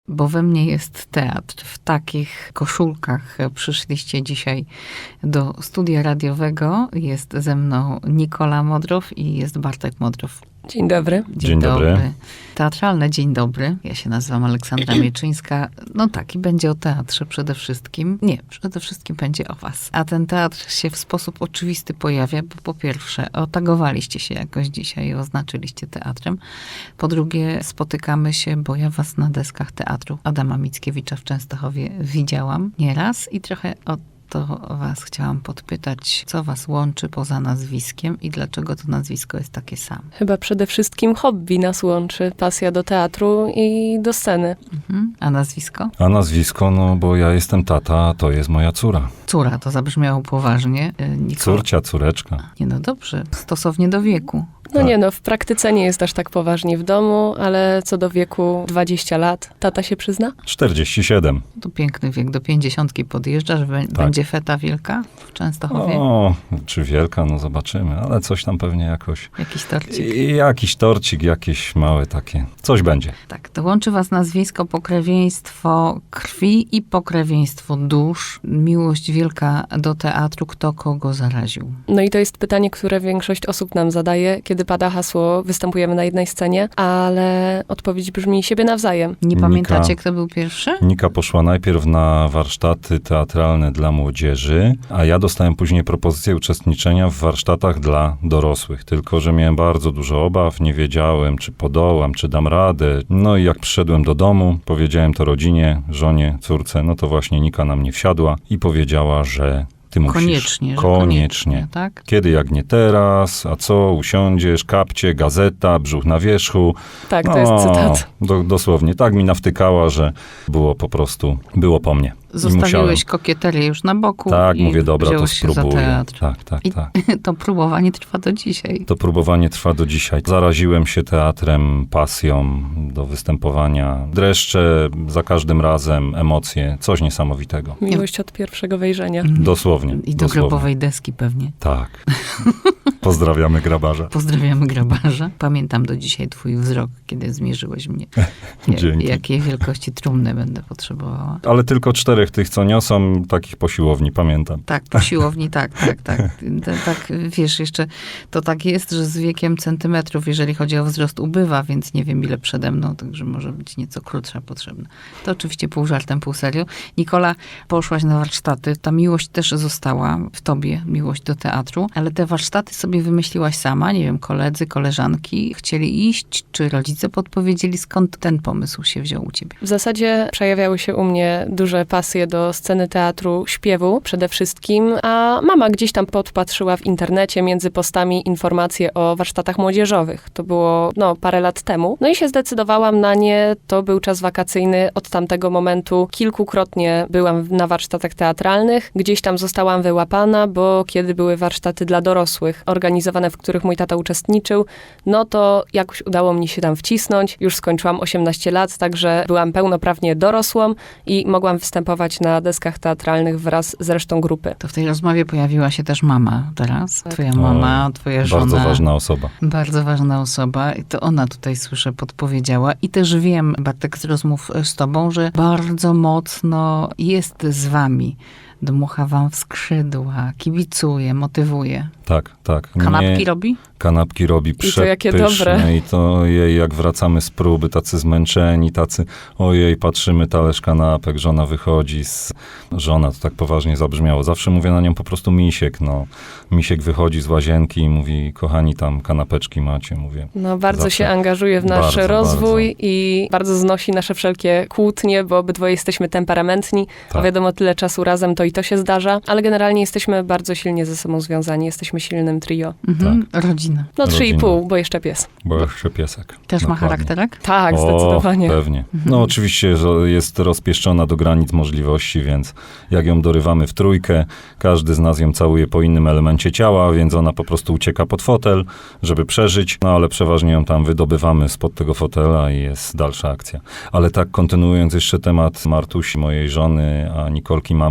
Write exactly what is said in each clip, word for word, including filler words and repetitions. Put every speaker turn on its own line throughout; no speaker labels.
Bo we mnie jest teatr. W takich koszulkach przyszliście dzisiaj do studia radiowego. Jest ze mną Nikola Modrow i jest Bartek Modrow.
Dzień dobry.
Dzień,
Dzień dobry.
dobry. Teatralne dzień dobry. Ja się nazywam Aleksandra Mieczyńska. No tak, i będzie o teatrze przede wszystkim. Nie, przede wszystkim będzie o was. A ten teatr się w sposób oczywisty pojawia, bo po pierwsze otagowaliście się jakoś dzisiaj i oznaczyliście teatrem. Po drugie spotykamy się, bo ja was na deskach teatru Adama Mickiewicza w Częstochowie widziałam nieraz i trochę o to was chciałam podpytać, co was łączy poza nazwiskiem i dlaczego to nazwisko jest takie samo?
Chyba przede wszystkim hobby nas łączy, pasja do teatru i do sceny.
Mhm. A nazwisko?
A nazwisko, no bo ja jestem tata, a to jest moja córa.
Córa, to zabrzmiało poważnie. Nikola.
Córcia, córeczka.
Nie no dobrze, stosownie do wieku.
No
Tak.
nie no, w praktyce nie jest aż tak poważnie w domu, ale co do wieku dwadzieścia lat, tata się przyzna?
czterdzieści siedem.
To piękny wiek, do pięćdziesiątki podjeżdżasz, b-
Tak.
będzie feta wielka w Częstochowie?
O, czy wielka, no zobaczymy, ale coś tam pewnie jakoś.
Jakiś torcik?
I jakiś torcik, jakieś małe takie. Coś będzie.
Tak, to łączy was nazwisko, pokrewieństwo krwi i pokrewieństwo dusz. Miłość wielka do teatru, kto kogo zaraził.
No i to jest pytanie, które większość osób nam zadaje, kiedy pada hasło, występujemy na jednej scenie, ale odpowiedź brzmi siebie nawzajem.
Nie
Nika.
pamiętacie, kto był pierwszy?
Nika poszła najpierw na warsztaty teatralne dla młodzieży, a ja dostałem później propozycję uczestniczenia w warsztatach dla dorosłych. Tylko że miałem bardzo dużo obaw, nie wiedziałem, czy podołam, czy dam radę. No i jak przyszedłem do domu, powiedziałem to rodzinie, żonie, córce, no to właśnie Nika na mnie wsiadła i powiedziała, że ty musisz.
Koniecznie, że
Koniecznie.
koniecznie, tak?
Kiedy jak nie teraz, a co, usiądziesz, kapcie, gazeta, brzuch na wierzchu.
Tak, to jest cytat.
Do, dosłownie, tak mi nawtykała, że było po prostu, było po mnie. I musiałem.
Zostawiłeś kokieterię już na boku.
Tak,
i
mówię, dobra, to
wziąłeś się za
spróbuję.
teatr.
Tak, tak,
I
tak.
to próbowanie trwa do dzisiaj.
To próbowanie trwa do dzisiaj. Zaraziłem się teatrem, pasją do występowania. Dreszcze za każdym razem, emocje, coś niesamowitego.
Miłość od pierwszego wejrzenia.
Dosłownie.
I do
dosłownie.
grobowej deski pewnie.
Tak. Pozdrawiamy grabarza.
Pozdrawiamy grabarza. Pamiętam do dzisiaj twój wzrok, kiedy zmierzyłeś mnie. Ja-
Dzięki.
Jakiej wielkości trumny będę potrzebowała.
Ale tylko czterech tych, co niosą, takich po siłowni, pamiętam.
Tak, po siłowni, tak, tak, tak. T- Tak, wiesz, jeszcze to tak jest, że z wiekiem centymetrów, jeżeli chodzi o wzrost, ubywa, więc nie wiem, ile przede mną, także może być nieco krótsza potrzebna. To oczywiście pół żartem, pół serio. Nikola, poszłaś na warsztaty. Ta miłość też została w tobie, miłość do teatru, ale te warsztaty sobie wymyśliłaś sama, nie wiem, koledzy, koleżanki chcieli iść, czy rodzice podpowiedzieli, skąd ten pomysł się wziął u ciebie?
W zasadzie przejawiały się u mnie duże pasje do sceny teatru, śpiewu przede wszystkim, a mama gdzieś tam podpatrzyła w internecie między postami informacje o warsztatach młodzieżowych. To było, no, parę lat temu. No i się zdecydowałam na nie. To był czas wakacyjny. Od tamtego momentu kilkukrotnie byłam na warsztatach teatralnych. Gdzieś tam zostałam wyłapana, bo kiedy były warsztaty dla dorosłych, organizowane, w których mój tata uczestniczył, no to jakoś udało mi się tam wcisnąć. Już skończyłam osiemnaście lat, także byłam pełnoprawnie dorosłą i mogłam występować na deskach teatralnych wraz z resztą grupy.
To w tej rozmowie pojawiła się też mama teraz. Twoja mama, twoja żona.
Bardzo ważna osoba.
Bardzo ważna osoba i to ona tutaj, słyszę, podpowiedziała. I też wiem, Bartek, z rozmów z tobą, że bardzo mocno jest z wami. Dmucha wam w skrzydła, kibicuje, motywuje.
Tak, tak.
Kanapki
Nie-
robi?
Kanapki robi
I to jakie
przepyszne.
dobre.
I to jej, jak wracamy z próby, tacy zmęczeni, tacy, ojej, patrzymy, talerz kanapek, żona wychodzi z... Żona, to tak poważnie zabrzmiało. Zawsze mówię na nią po prostu misiek, no. Misiek wychodzi z łazienki i mówi, kochani, tam kanapeczki macie, mówię.
No bardzo
Zawsze.
się angażuje w nasz
Bardzo,
rozwój
bardzo.
i bardzo znosi nasze wszelkie kłótnie, bo obydwoje jesteśmy temperamentni, a
Tak.
wiadomo, tyle czasu razem to i to się zdarza, ale generalnie jesteśmy bardzo silnie ze sobą związani, jesteśmy silnym trio.
Mhm. Rodzina.
No trzy i
Rodzina.
pół, bo jeszcze pies.
Bo jeszcze piesek.
Też ma
Dokładnie.
charakterek?
Tak,
O,
zdecydowanie.
pewnie. No oczywiście, że jest rozpieszczona do granic możliwości, więc jak ją dorywamy w trójkę, każdy z nas ją całuje po innym elemencie ciała, więc ona po prostu ucieka pod fotel, żeby przeżyć, no ale przeważnie ją tam wydobywamy spod tego fotela i jest dalsza akcja. Ale tak kontynuując jeszcze temat Martusi, mojej żony, a Nikolki mamy, no to powiem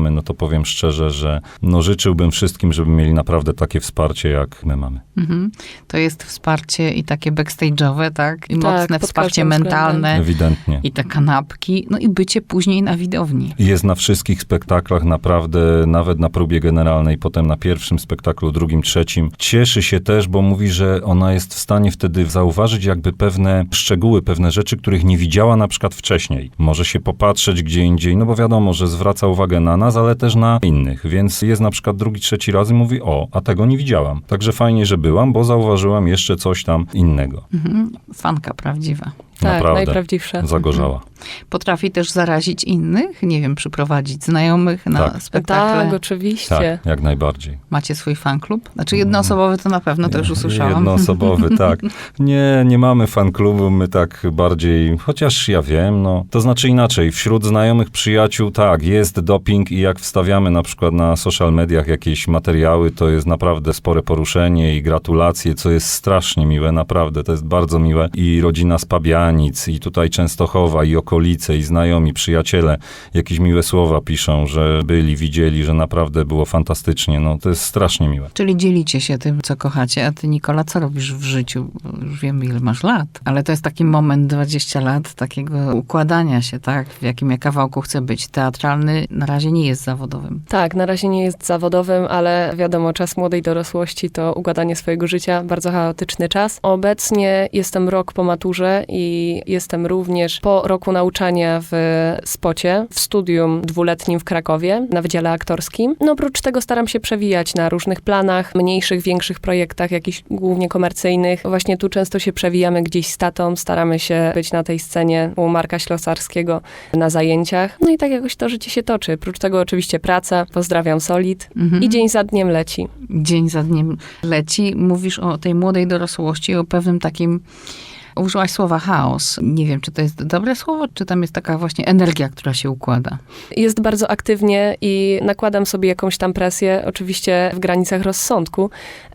powiem szczerze, że no życzyłbym wszystkim, żeby mieli naprawdę takie wsparcie, jak my mamy.
Mhm. To jest wsparcie i takie backstage'owe, tak? I
Tak,
mocne
pod
wsparcie
każdym
mentalne.
Ewidentnie.
I te kanapki, no i bycie później na widowni.
Jest na wszystkich spektaklach, naprawdę, nawet na próbie generalnej, potem na pierwszym spektaklu, drugim, trzecim. Cieszy się też, bo mówi, że ona jest w stanie wtedy zauważyć jakby pewne szczegóły, pewne rzeczy, których nie widziała na przykład wcześniej. Może się popatrzeć gdzie indziej, no bo wiadomo, że zwraca uwagę na nas, ale też na innych. Więc jest na przykład drugi, trzeci raz i mówi, o, a tego nie widziałam. Także fajnie, że byłam, bo zauważyłam jeszcze coś tam innego.
Mhm. Fanka prawdziwa.
Tak,
Naprawdę.
najprawdziwsze.
Zagorzała.
Potrafi też zarazić innych, nie wiem, przyprowadzić znajomych na
Tak.
spektakle.
Tak, oczywiście.
Tak, jak najbardziej.
Macie swój fanklub? Znaczy jednoosobowy to na pewno, to już usłyszałam.
Jednoosobowy, tak. Nie, nie mamy fanklubu, my tak bardziej, chociaż ja wiem, no, to znaczy inaczej, wśród znajomych przyjaciół, tak, jest doping i jak wstawiamy na przykład na social mediach jakieś materiały, to jest naprawdę spore poruszenie i gratulacje, co jest strasznie miłe, naprawdę, to jest bardzo miłe i rodzina z Pabianic i tutaj Częstochowa i okolice i znajomi, przyjaciele jakieś miłe słowa piszą, że byli, widzieli, że naprawdę było fantastycznie, no, to jest strasznie miłe.
Czyli dzielicie się tym, co kochacie. A ty, Nikola, co robisz w życiu? Bo już wiemy, ile masz lat. Ale to jest taki moment, dwadzieścia lat, takiego układania się, tak? W jakim ja kawałku chcę być. Teatralny na razie nie jest zawodowym.
Tak, na razie nie jest zawodowym, ale wiadomo, czas młodej dorosłości to układanie swojego życia, bardzo chaotyczny czas. Obecnie jestem rok po maturze i jestem również po roku nauczania w Spocie, w studium dwuletnim w Krakowie, na Wydziale Aktorskim. No oprócz tego staram się przewijać na różnych planach, mniejszych, większych projektach, jakichś głównie komercyjnych. Właśnie tu często się przewijamy gdzieś z tatą, staramy się być na tej scenie u Marka Ślosarskiego na zajęciach. No i tak jakoś to życie się toczy. Oprócz tego oczywiście praca, pozdrawiam Solid
Mhm.
i dzień za dniem leci.
Dzień za dniem leci. Mówisz o tej młodej dorosłości, o pewnym takim... Użyłaś słowa chaos. Nie wiem, czy to jest dobre słowo, czy tam jest taka właśnie energia, która się układa.
Jest bardzo aktywnie i nakładam sobie jakąś tam presję, oczywiście w granicach rozsądku,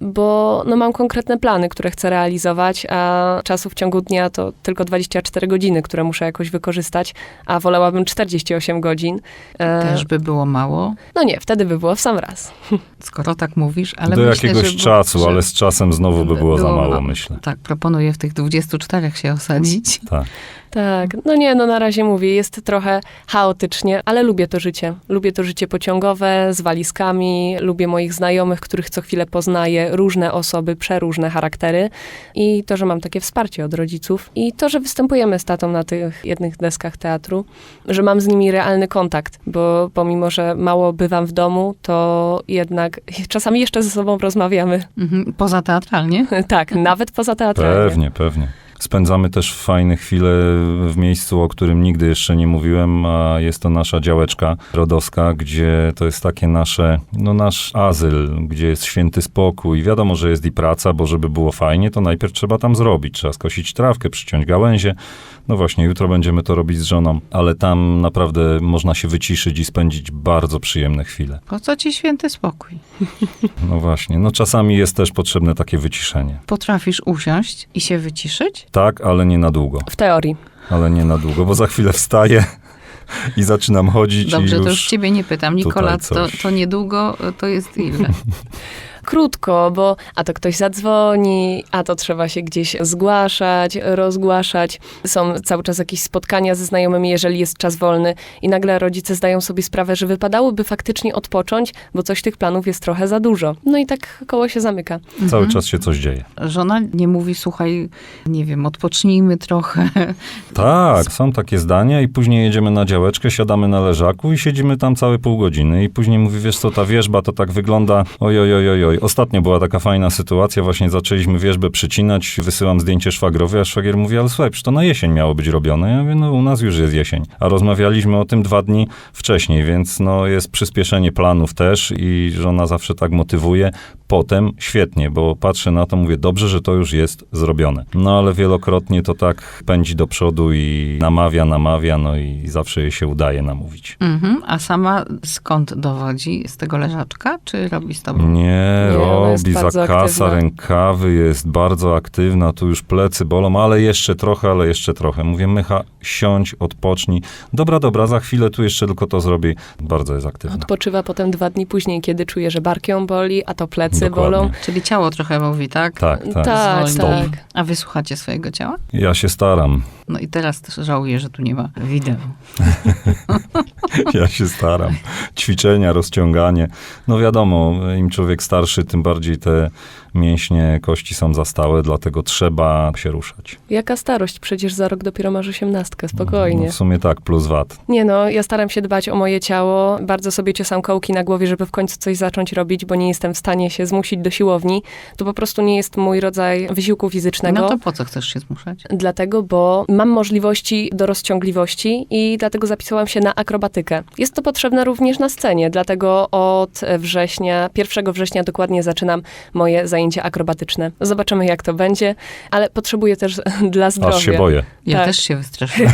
bo no, mam konkretne plany, które chcę realizować, a czasu w ciągu dnia to tylko dwadzieścia cztery godziny, które muszę jakoś wykorzystać, a wolałabym czterdzieści osiem godzin. E,
Też by było mało,
No nie, wtedy by było w sam raz.
skoro tak mówisz, ale
Do
myślę,
jakiegoś
że,
czasu,
że
ale z czasem znowu by było za
było
mało,
mało.
myślę.
Tak, proponuję w tych dwudziestu czterech się osadzić.
Tak.
Tak, no nie, no na razie mówię, jest trochę chaotycznie, ale lubię to życie. Lubię to życie pociągowe, z walizkami, lubię moich znajomych, których co chwilę poznaję, różne osoby, przeróżne charaktery i to, że mam takie wsparcie od rodziców i to, że występujemy z tatą na tych jednych deskach teatru, że mam z nimi realny kontakt, bo pomimo, że mało bywam w domu, to jednak czasami jeszcze ze sobą rozmawiamy.
Mhm. Poza teatralnie?
Tak, nawet poza teatralnie.
Pewnie, pewnie. Spędzamy też fajne chwile w miejscu, o którym nigdy jeszcze nie mówiłem, a jest to nasza działeczka rodowska, gdzie to jest takie nasze, no nasz azyl, gdzie jest święty spokój. Wiadomo, że jest i praca, bo żeby było fajnie, to najpierw trzeba tam zrobić. Trzeba skosić trawkę, przyciąć gałęzie. No właśnie, jutro będziemy to robić z żoną, ale tam naprawdę można się wyciszyć i spędzić bardzo przyjemne chwile.
Po co ci święty spokój?
No właśnie, no czasami jest też potrzebne takie wyciszenie.
Potrafisz usiąść i się wyciszyć?
Tak, ale nie na długo.
W teorii.
Ale nie na długo, bo za chwilę wstaję i zaczynam chodzić
Dobrze,
i już...
to już ciebie nie pytam. Nikola,
tutaj
to,
coś.
to niedługo, to jest ile?
Krótko, bo a to ktoś zadzwoni, a to trzeba się gdzieś zgłaszać, rozgłaszać. Są cały czas jakieś spotkania ze znajomymi, jeżeli jest czas wolny i nagle rodzice zdają sobie sprawę, że wypadałoby faktycznie odpocząć, bo coś tych planów jest trochę za dużo. No i tak koło się zamyka.
Cały czas się coś dzieje.
Żona nie mówi, słuchaj, nie wiem, odpocznijmy trochę.
Tak, są takie zdania i później jedziemy na działeczkę, siadamy na leżaku i siedzimy tam całe pół godziny i później mówi, wiesz co, ta wierzba to tak wygląda, oj, oj, oj, oj, oj. Ostatnio była taka fajna sytuacja, właśnie zaczęliśmy wierzbę przycinać, wysyłam zdjęcie szwagrowi, a szwagier mówi, ale słuchaj, przecież to na jesień miało być robione. Ja mówię, no u nas już jest jesień. A rozmawialiśmy o tym dwa dni wcześniej, więc no jest przyspieszenie planów też i żona zawsze tak motywuje. Potem świetnie, bo patrzę na to, mówię, dobrze, że to już jest zrobione. No ale wielokrotnie to tak pędzi do przodu i namawia, namawia, no i zawsze jej się udaje namówić.
Mhm. A sama skąd dowodzi? Z tego leżaczka, czy robi z tobą?
Nie,
Nie, ona jest
robi,
bardzo
zakasa
aktywna.
rękawy, jest bardzo aktywna, tu już plecy bolą, ale jeszcze trochę, ale jeszcze trochę. Mówię, Mycha, siądź, odpocznij. Dobra, dobra, za chwilę tu jeszcze tylko to zrobię. Bardzo jest aktywna.
Odpoczywa potem dwa dni później, kiedy czuje, że bark ją boli, a to plecy
Dokładnie.
bolą.
Czyli ciało trochę mówi, tak?
Tak, tak.
Tak,
Zwolnij.
tak.
A wy słuchacie swojego ciała?
Ja się staram.
No i teraz też żałuję, że tu nie ma wideo.
Ja się staram. Ćwiczenia, rozciąganie. No wiadomo, im człowiek starszy, tym bardziej te mięśnie, kości są za stałe, dlatego trzeba się ruszać.
Jaka starość? Przecież za rok dopiero masz osiemnastkę, spokojnie.
No, w sumie tak, plus wat.
Nie no, ja staram się dbać o moje ciało. Bardzo sobie ciosam kołki na głowie, żeby w końcu coś zacząć robić, bo nie jestem w stanie się zmusić do siłowni. To po prostu nie jest mój rodzaj wysiłku fizycznego.
No to po co chcesz się zmuszać?
Dlatego, bo mam możliwości do rozciągliwości i dlatego zapisałam się na akrobatykę. Jest to potrzebne również na scenie, dlatego od września, pierwszego września dokładnie zaczynam moje zajęcia akrobatyczne. Zobaczymy, jak to będzie, ale potrzebuję też dla zdrowia.
Aż się boję.
Ja
Tak.
też się wystraszyłam.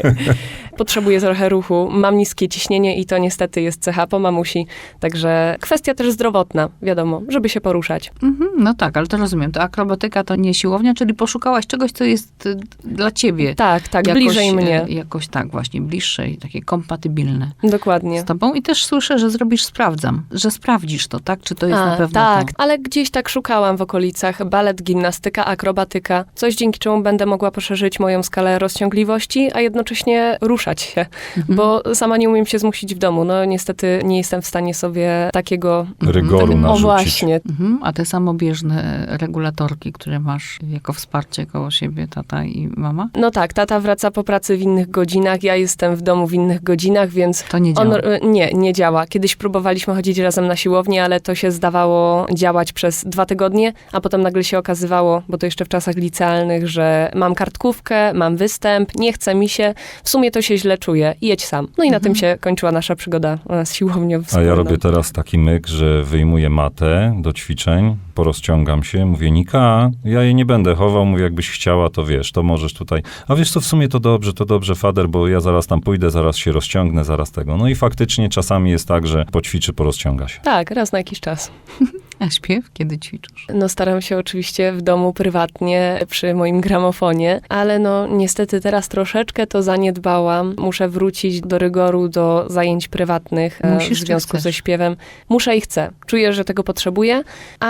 Potrzebuję trochę ruchu. Mam niskie ciśnienie i to niestety jest cecha po mamusi. Także kwestia też zdrowotna, wiadomo, żeby się poruszać.
Mhm, no tak, ale to rozumiem. To akrobatyka to nie siłownia, czyli poszukałaś czegoś, co jest y, dla ciebie.
Tak, tak,
Jakoś,
bliżej mnie.
y, Jakoś tak, właśnie, bliższe i takie kompatybilne
Dokładnie.
z tobą. I też słyszę, że zrobisz sprawdzam, że sprawdzisz to, tak? Czy to jest
A,
na pewno
tak,
to?
ale gdzieś tak szukałam w okolicach. Balet, gimnastyka, akrobatyka. Coś, dzięki czemu będę mogła poszerzyć moją skalę rozciągliwości, a jednocześnie ruszać się.
Mhm.
Bo sama nie umiem się zmusić w domu. No niestety nie jestem w stanie sobie takiego...
Rygoru
Tak,
O
narzucić.
właśnie.
Mhm, a te samobieżne regulatorki, które masz jako wsparcie koło siebie, tata i mama?
No tak, tata wraca po pracy w innych godzinach, ja jestem w domu w innych godzinach, więc
To nie działa.
on, y, nie, nie działa. Kiedyś próbowaliśmy chodzić razem na siłownię, ale to się zdawało działać przez dwa tygodnie, a potem nagle się okazywało, bo to jeszcze w czasach licealnych, że mam kartkówkę, mam występ, nie chce mi się, w sumie to się źle czuję, jedź sam. No i na
Mhm.
tym się kończyła nasza przygoda e, z siłownią
A
wspólną.
ja robię teraz taki myk, że wyjmuję matę do ćwiczeń, porozciągam się, mówię, Nika, ja jej nie będę chował, mówię, jakbyś chciała, to wiesz, to możesz tutaj. A wiesz co, w sumie to dobrze, to dobrze, fader, bo ja zaraz tam pójdę, zaraz się rozciągnę, zaraz tego. No i faktycznie czasami jest tak, że poćwiczy, porozciąga się.
Tak, raz na jakiś czas.
A śpiew? Kiedy ćwiczysz?
No staram się oczywiście w domu prywatnie przy moim gramofonie, ale no niestety teraz troszeczkę to zaniedbałam. Muszę wrócić do rygoru, do zajęć prywatnych e,
Musisz
w
czy
związku
chcesz?
ze śpiewem. Muszę i chcę. Czuję, że tego potrzebuję,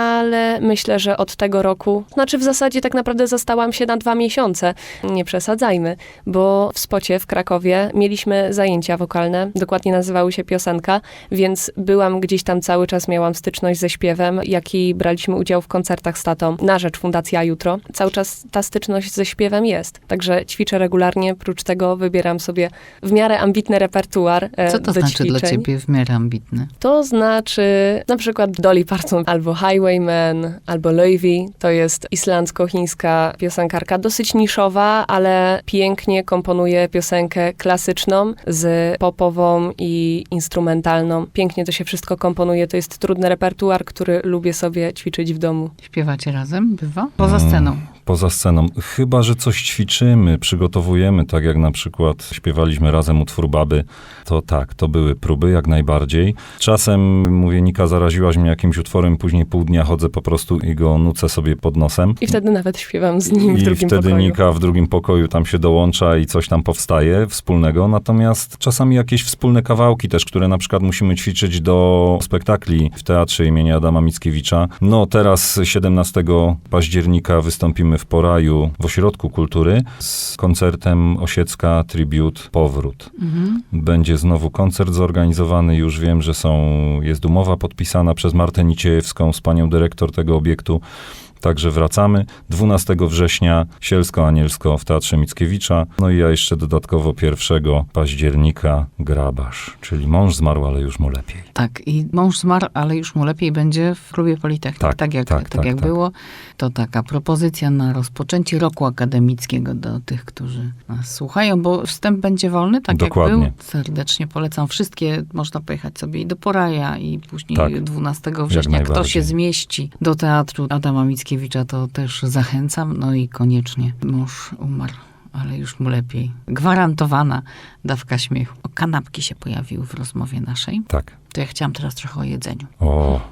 ale myślę, że od tego roku, znaczy w zasadzie tak naprawdę zastałam się na dwa miesiące. Nie przesadzajmy, bo w Spocie w Krakowie mieliśmy zajęcia wokalne, dokładnie nazywały się Piosenka, więc byłam gdzieś tam cały czas, miałam styczność ze śpiewem, jak i braliśmy udział w koncertach z tatą na rzecz Fundacji A Jutro. Cały czas ta styczność ze śpiewem jest. Także ćwiczę regularnie, prócz tego wybieram sobie w miarę ambitny repertuar e,
Co to
do
znaczy
ćwiczeń.
dla ciebie w miarę ambitny?
To znaczy na przykład Dolly Parton albo Highwayman, albo Loewi. To jest islandzko-chińska piosenkarka, dosyć niszowa, ale pięknie komponuje piosenkę klasyczną z popową i instrumentalną. Pięknie to się wszystko komponuje. To jest trudny repertuar, który lubię sobie ćwiczyć w domu.
Śpiewacie razem? Bywa? Poza sceną.
Poza sceną. Chyba, że coś ćwiczymy, przygotowujemy, tak jak na przykład śpiewaliśmy razem utwór Baby, to tak, to były próby jak najbardziej. Czasem, mówię, Nika, zaraziłaś mnie jakimś utworem, później pół dnia chodzę po prostu i go nucę sobie pod nosem.
I wtedy nawet śpiewam z nim w
I
drugim
wtedy
pokoju.
Nika w drugim pokoju tam się dołącza i coś tam powstaje wspólnego. Natomiast czasami jakieś wspólne kawałki też, które na przykład musimy ćwiczyć do spektakli w Teatrze imienia Adama Mickiewicza. No teraz siedemnastego października wystąpimy w Poraju w Ośrodku Kultury z koncertem Osiecka Tribute Powrót.
Mhm.
Będzie znowu koncert zorganizowany. Już wiem, że są, jest umowa podpisana przez Martę Niciejewską z panią dyrektor tego obiektu. Także wracamy. dwunastego września Sielsko-Anielsko w Teatrze Mickiewicza. No i ja jeszcze dodatkowo pierwszego października Grabarz, czyli mąż zmarł, ale już mu lepiej.
Tak, i mąż zmarł, ale już mu lepiej będzie w klubie Politechnik.
Tak,
tak jak,
tak,
tak,
tak,
jak
tak.
było. To taka propozycja na rozpoczęcie roku akademickiego do tych, którzy nas słuchają, bo wstęp będzie wolny, tak
Dokładnie.
jak był. Serdecznie polecam wszystkie. Można pojechać sobie i do Poraja, i później
Tak,
dwunastego września. Kto
najbardziej.
się zmieści do Teatru Adama Mickiewicza, to też zachęcam. No i koniecznie mąż umarł, ale już mu lepiej. Gwarantowana dawka śmiechu. O, kanapki się pojawiły w rozmowie naszej.
Tak.
To ja chciałam teraz trochę o jedzeniu.
O,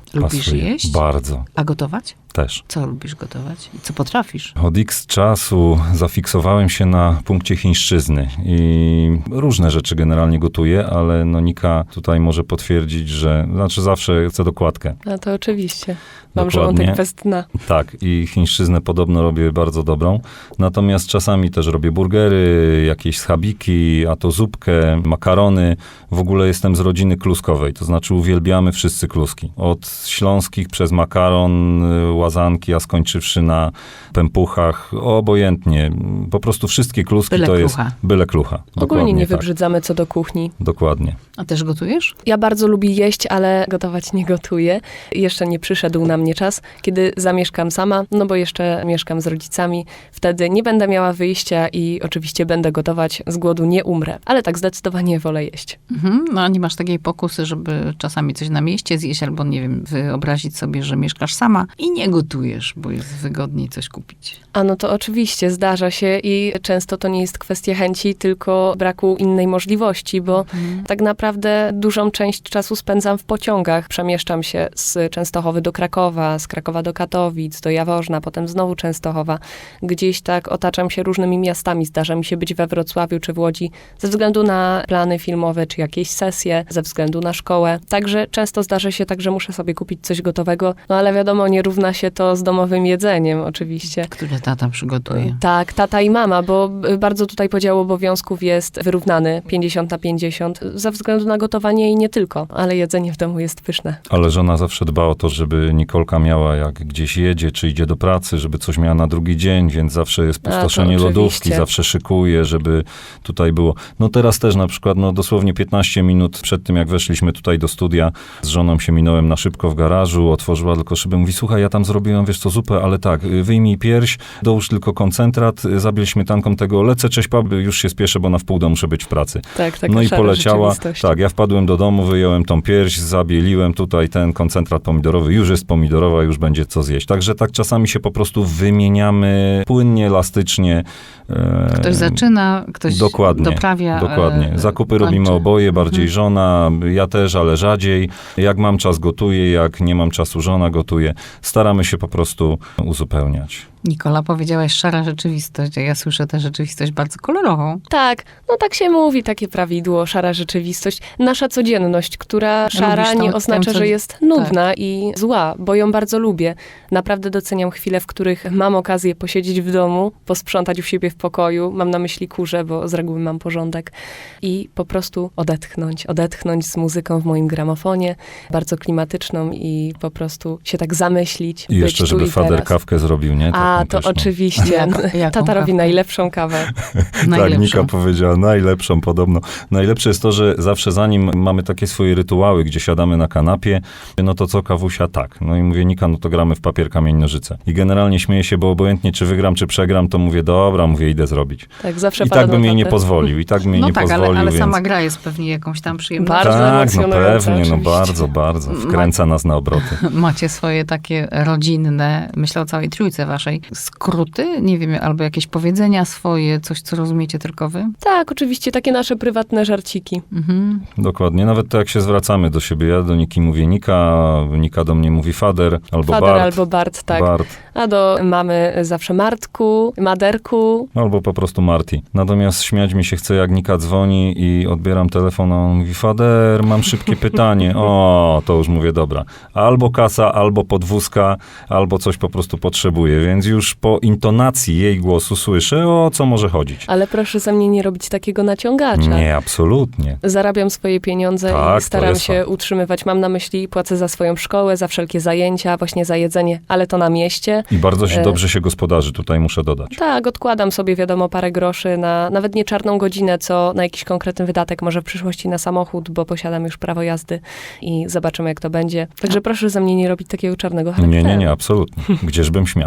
Lubisz
pasuje.
jeść?
Bardzo.
A gotować?
Też.
Co lubisz gotować? I co potrafisz?
Od X czasu zafiksowałem się na punkcie chińszczyzny i różne rzeczy generalnie gotuję, ale no Nika tutaj może potwierdzić, że znaczy zawsze chcę dokładkę.
A to oczywiście. Mam
Dokładnie.
żołądek bez dna.
Tak, i chińszczyznę podobno robię bardzo dobrą. Natomiast czasami też robię burgery, jakieś schabiki, a to zupkę, makarony. W ogóle jestem z rodziny kluskowej, to znaczy uwielbiamy wszyscy kluski. Od śląskich przez makaron, łazanki, a skończywszy na pępuchach, obojętnie. Po prostu wszystkie kluski
Byle
to
klucha.
jest byle klucha.
Ogólnie
Dokładnie
nie
tak.
wybrzydzamy co do kuchni.
Dokładnie.
A też gotujesz?
Ja bardzo lubię jeść, ale gotować nie gotuję. Jeszcze nie przyszedł na mnie czas, kiedy zamieszkam sama, no bo jeszcze mieszkam z rodzicami. Wtedy nie będę miała wyjścia i oczywiście będę gotować, z głodu nie umrę. Ale tak zdecydowanie wolę jeść.
Mhm. No a nie masz takiej pokusy, żeby czasami coś na mieście zjeść, albo nie wiem, wyobrazić sobie, że mieszkasz sama i nie gotujesz, bo jest wygodniej coś kupić.
A no to oczywiście zdarza się i często to nie jest kwestia chęci, tylko braku innej możliwości, bo
Mhm.
tak naprawdę dużą część czasu spędzam w pociągach. Przemieszczam się z Częstochowy do Krakowa, z Krakowa do Katowic, do Jaworzna, potem znowu Częstochowa. Gdzieś tak otaczam się różnymi miastami. Zdarza mi się być we Wrocławiu czy w Łodzi ze względu na plany filmowe czy jakieś sesje, ze względu na szkołę. Także często zdarza się tak, że muszę sobie kupić coś gotowego, no ale wiadomo, nie równa się to z domowym jedzeniem oczywiście.
Które tata przygotuje.
Tak, tata i mama, bo bardzo tutaj podział obowiązków jest wyrównany, pięćdziesiąt na pięćdziesiąt, ze względu na gotowanie i nie tylko, ale jedzenie w domu jest pyszne.
Ale żona zawsze dba o to, żeby Nikolka miała, jak gdzieś jedzie, czy idzie do pracy, żeby coś miała na drugi dzień, więc zawsze jest
A, to
pustoszenie
oczywiście.
lodówki, zawsze szykuje, żeby tutaj było. No teraz też na przykład, no dosłownie piętnaście minut przed tym, jak weszliśmy tutaj do studia, z żoną się minąłem na szybko w garażu, otworzyła tylko szybę, mówi, słuchaj, ja tam zrobiłem, wiesz co, zupę, ale tak, wyjmij pierś, dołóż tylko koncentrat, zabiel śmietanką tego, lecę, cześć pap, już się spieszę, bo na wpół do muszę być w pracy.
Tak, tak.
No i
szara
poleciała.
rzeczywistość.
Tak, ja wpadłem do domu, wyjąłem tą pierś, zabieliłem tutaj ten koncentrat pomidorowy, już jest pomidorowa, już będzie co zjeść. Także tak czasami się po prostu wymieniamy płynnie, elastycznie. E,
Ktoś zaczyna, ktoś
Dokładnie,
doprawia.
Dokładnie.
e,
Zakupy
kończy.
robimy oboje, bardziej
Mhm.
żona, ja też, ale rzadziej. Jak mam czas, gotuję, jak nie mam czasu, żona gotuje. Staramy się po prostu uzupełniać.
Nikola, powiedziałaś szara rzeczywistość, a ja słyszę tę rzeczywistość bardzo kolorową.
Tak, no tak się mówi, takie prawidło, szara rzeczywistość. Nasza codzienność, która szara
Lubisz tą-
nie
tę
oznacza,
co-
że jest nudna i zła, bo ją bardzo lubię. Naprawdę doceniam chwile, w których mam okazję posiedzieć w domu, posprzątać u siebie w pokoju, mam na myśli kurze, bo z reguły mam porządek, i po prostu odetchnąć, odetchnąć z muzyką w moim gramofonie, bardzo klimatyczną i po prostu się tak zamyślić,
I
być
jeszcze,
tu
żeby
i
fader
teraz.
kawkę zrobił, nie?
A,
Taką
to
też, no.
oczywiście.
Jak- jaką
Tata robi
kawkę?
najlepszą kawę.
Tak,
Najlepszą.
Nika powiedziała najlepszą podobno. Najlepsze jest to, że zawsze zanim mamy takie swoje rytuały, gdzie siadamy na kanapie, no to co, kawusia? Tak. No i mówię, Nika, no to gramy w papier, kamień, nożyce. I generalnie śmieję się, bo obojętnie czy wygram, czy przegram, to mówię, dobra, mówię, idę zrobić.
Tak, zawsze
I
pada
tak bym
na
jej nie
tatę.
pozwolił, i tak bym jej
No
nie
tak,
pozwolił,
ale, ale
więc...
sama gra jest pewnie jakąś tam przyjemnością.
Bardzo
tak, no
emocjonująca,
pewnie, no
oczywiście.
bardzo, bardzo. Wkręca nas na obroty.
Macie swoje takie rodzinne, myślę o całej trójce waszej, skróty, nie wiem, albo jakieś powiedzenia swoje, coś, co rozumiecie tylko wy?
Tak, oczywiście, takie nasze prywatne żarciki.
Mhm.
Dokładnie. Nawet to, jak się zwracamy do siebie. Ja do Niki mówię Nika, Nika do mnie mówi fader, albo
Fader
Bart.
albo Bart, tak.
Bart.
A do mamy zawsze Martku, Maderku.
Albo po prostu Marti. Natomiast śmiać mi się chce, jak Nika dzwoni i odbieram telefon, a on mówi, fader, mam szybkie pytanie. O, to już mówię, dobra. Albo kasa, albo podwózka, albo coś po prostu potrzebuję. Więc już po intonacji jej głosu słyszę, o co może chodzić.
Ale proszę ze mnie nie robić takiego naciągacza.
Nie, absolutnie.
Zarabiam swoje pieniądze
Tak, to
i staram
jest
się
fakt.
utrzymywać. Mam na myśli, płacę za swoją szkołę, za wszelkie zajęcia, właśnie za jedzenie, ale to na mieście.
I bardzo się
E.
dobrze się gospodarzy, tutaj muszę dodać.
Tak, odkładam sobie, wiadomo, parę groszy na nawet nie czarną godzinę, co na jakiś konkretny wydatek, może w przyszłości na samochód, bo posiadam już prawo jazdy i zobaczymy, jak to będzie. Także proszę ze mnie nie robić takiego czarnego
Nie,
charakteru.
nie, nie, absolutnie. Gdzieżbym śmiał.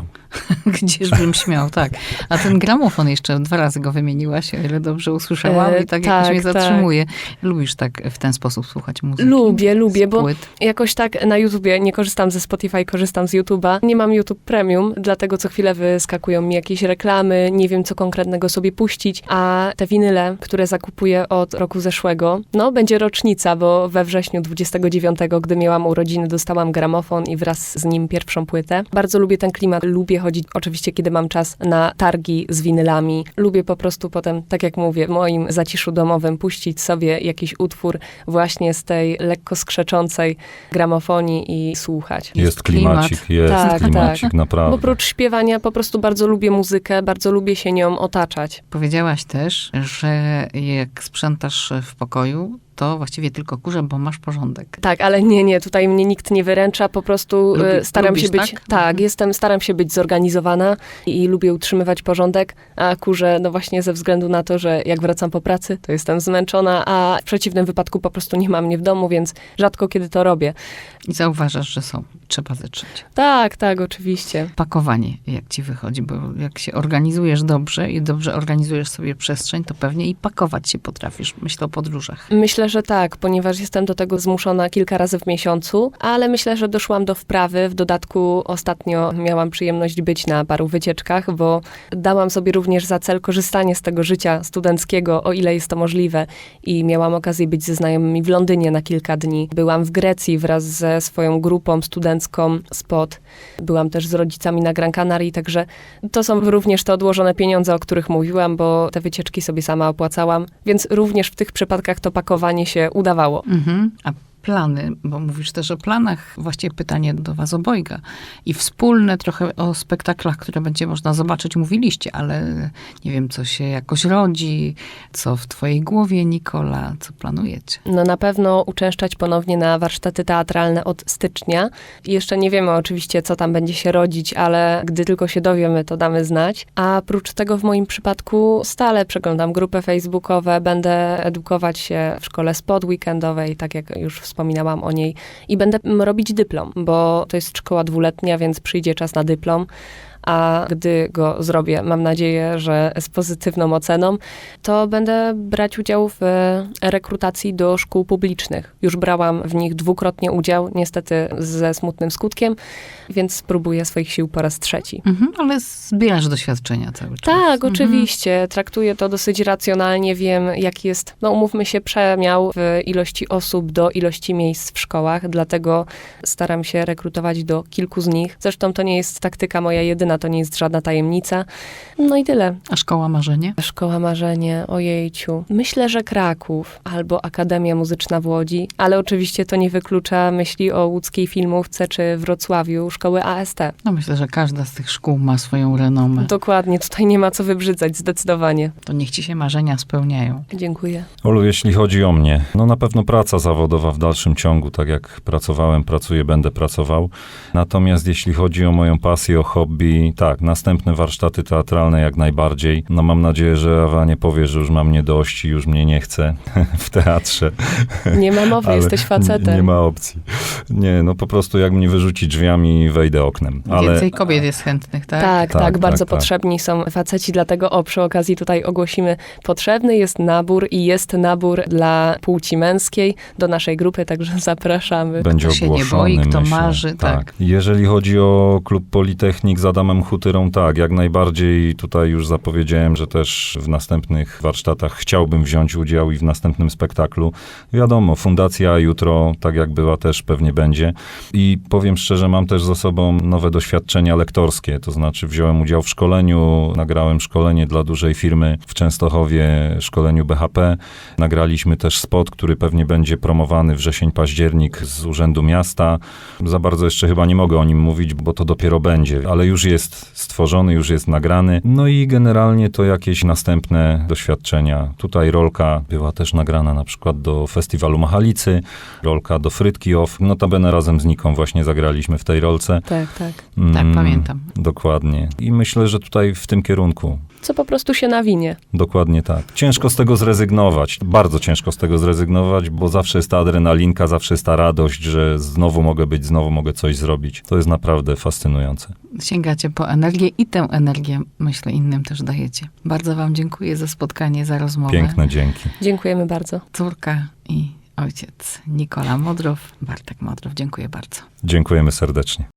Gdzieżbym śmiał, tak. A ten gramofon jeszcze dwa razy go wymieniłaś, o ile dobrze usłyszałam
E,
i tak,
tak,
jakoś mnie
tak.
zatrzymuje. Lubisz tak w ten sposób słuchać muzyki?
Lubię, lubię,
Z
bo
płyt?
jakoś tak na YouTubie, nie korzystam ze Spotify, korzystam z YouTube'a. Nie mam YouTube Premium, dlatego co chwilę wyskakują mi jakieś reklamy, nie wiem co konkretnego sobie puścić, a te winyle, które zakupuję od roku zeszłego, no będzie rocznica, bo we wrześniu dwudziestego dziewiątego, gdy miałam urodziny, dostałam gramofon i wraz z nim pierwszą płytę. Bardzo lubię ten klimat, lubię chodzić oczywiście, kiedy mam czas na targi z winylami. Lubię po prostu potem, tak jak mówię, w moim zaciszu domowym puścić sobie jakiś utwór właśnie z tej lekko skrzeczącej gramofonii i słuchać.
Jest
klimat.
klimacik, jest
Tak,
klimacik,
tak. Bo
naprawdę.
oprócz śpiewania po prostu bardzo lubię muzykę, bardzo lubię się nią otaczać.
Powiedziałaś też, że jak sprzątasz w pokoju, to właściwie tylko kurze, bo masz porządek.
Tak, ale nie, nie, tutaj mnie nikt nie wyręcza, po prostu
Lubi-
e, staram
lubisz,
się być,
tak?
tak,
Mhm.
jestem, staram się być zorganizowana i, i lubię utrzymywać porządek, a kurze, no właśnie ze względu na to, że jak wracam po pracy, to jestem zmęczona, a w przeciwnym wypadku po prostu nie ma mnie w domu, więc rzadko kiedy to robię.
I zauważasz, że są. Trzeba zetrzeć.
Tak, tak, oczywiście.
Pakowanie, jak ci wychodzi, bo jak się organizujesz dobrze i dobrze organizujesz sobie przestrzeń, to pewnie i pakować się potrafisz. Myślę o podróżach.
Myślę, że tak, ponieważ jestem do tego zmuszona kilka razy w miesiącu, ale myślę, że doszłam do wprawy. W dodatku ostatnio miałam przyjemność być na paru wycieczkach, bo dałam sobie również za cel korzystanie z tego życia studenckiego, o ile jest to możliwe. I miałam okazję być ze znajomymi w Londynie na kilka dni. Byłam w Grecji wraz ze swoją grupą studencką Spot. Byłam też z rodzicami na Gran Canaria, także to są również te odłożone pieniądze, o których mówiłam, bo te wycieczki sobie sama opłacałam, więc również w tych przypadkach to pakowanie się udawało.
Mhm. A plany, bo mówisz też o planach, właściwie pytanie do was obojga. I wspólne trochę o spektaklach, które będzie można zobaczyć, mówiliście, ale nie wiem, co się jakoś rodzi, co w twojej głowie, Nikola, co planujecie?
No na pewno uczęszczać ponownie na warsztaty teatralne od stycznia. I jeszcze nie wiemy oczywiście, co tam będzie się rodzić, ale gdy tylko się dowiemy, to damy znać. A prócz tego w moim przypadku stale przeglądam grupy facebookowe, będę edukować się w szkole Spot weekendowej, tak jak już wspominałam o niej, i będę mm, robić dyplom, bo to jest szkoła dwuletnia, więc przyjdzie czas na dyplom. A gdy go zrobię, mam nadzieję, że z pozytywną oceną, to będę brać udział w rekrutacji do szkół publicznych. Już brałam w nich dwukrotnie udział, niestety ze smutnym skutkiem, więc spróbuję swoich sił po raz trzeci.
Mhm, ale zbierasz doświadczenia cały czas.
Tak,
Mhm.
oczywiście. Traktuję to dosyć racjonalnie. Wiem, jaki jest, no umówmy się, przemiał w ilości osób do ilości miejsc w szkołach, dlatego staram się rekrutować do kilku z nich. Zresztą to nie jest taktyka moja jedyna, to nie jest żadna tajemnica. No i tyle.
A szkoła marzenie?
Szkoła marzenie, ojejciu. Myślę, że Kraków albo Akademia Muzyczna w Łodzi, ale oczywiście to nie wyklucza myśli o łódzkiej filmówce czy Wrocławiu szkoły A S T.
No myślę, że każda z tych szkół ma swoją renomę.
Dokładnie, tutaj nie ma co wybrzydzać, zdecydowanie.
To niech ci się marzenia spełniają.
Dziękuję.
Olu, jeśli chodzi o mnie, no na pewno praca zawodowa w dalszym ciągu, tak jak pracowałem, pracuję, będę pracował. Natomiast jeśli chodzi o moją pasję, o hobby, tak, następne warsztaty teatralne jak najbardziej. No mam nadzieję, że Ewa nie powie, że już mam mnie dość i już mnie nie chce w teatrze.
Nie ma mowy,
Ale
jesteś facetem.
Nie, nie ma opcji. Nie, no po prostu jak mnie wyrzuci drzwiami, wejdę oknem. Ale
Więcej kobiet jest chętnych, tak?
Tak,
Tak,
tak,
tak,
bardzo
tak.
potrzebni są faceci, dlatego o, przy okazji tutaj ogłosimy, potrzebny jest nabór i jest nabór dla płci męskiej do naszej grupy, także zapraszamy.
będzie
Kto się nie
ogłoszony,
boi, kto
myślę.
marzy, tak.
Jeżeli chodzi o klub Politechnik z Adamem Hutyrą, tak, jak najbardziej tutaj już zapowiedziałem, że też w następnych warsztatach chciałbym wziąć udział i w następnym spektaklu. Wiadomo, fundacja jutro, tak jak była, też pewnie będzie. I powiem szczerze, mam też za sobą nowe doświadczenia lektorskie, to znaczy wziąłem udział w szkoleniu, nagrałem szkolenie dla dużej firmy w Częstochowie, szkoleniu B H P. Nagraliśmy też spot, który pewnie będzie promowany wrzesień, październik z Urzędu Miasta. Za bardzo jeszcze chyba nie mogę o nim mówić, bo to dopiero będzie, ale już jest stworzony, już jest nagrany. No i generalnie to jakieś następne doświadczenia. Tutaj rolka była też nagrana na przykład do festiwalu Machalicy, rolka do Frytki Off. Notabene razem z Niką właśnie zagraliśmy w tej rolce.
Tak, tak.
Tak,
Mm,
pamiętam.
Dokładnie. I myślę, że tutaj w tym kierunku.
co po prostu się nawinie.
Dokładnie tak. Ciężko z tego zrezygnować, bardzo ciężko z tego zrezygnować, bo zawsze jest ta adrenalinka, zawsze jest ta radość, że znowu mogę być, znowu mogę coś zrobić. To jest naprawdę fascynujące.
Sięgacie po energię i tę energię, myślę, innym też dajecie. Bardzo wam dziękuję za spotkanie, za rozmowę.
Piękne dzięki.
Dziękujemy bardzo.
Córka i ojciec Nikola Modrow, Bartek Modrow. Dziękuję bardzo.
Dziękujemy serdecznie.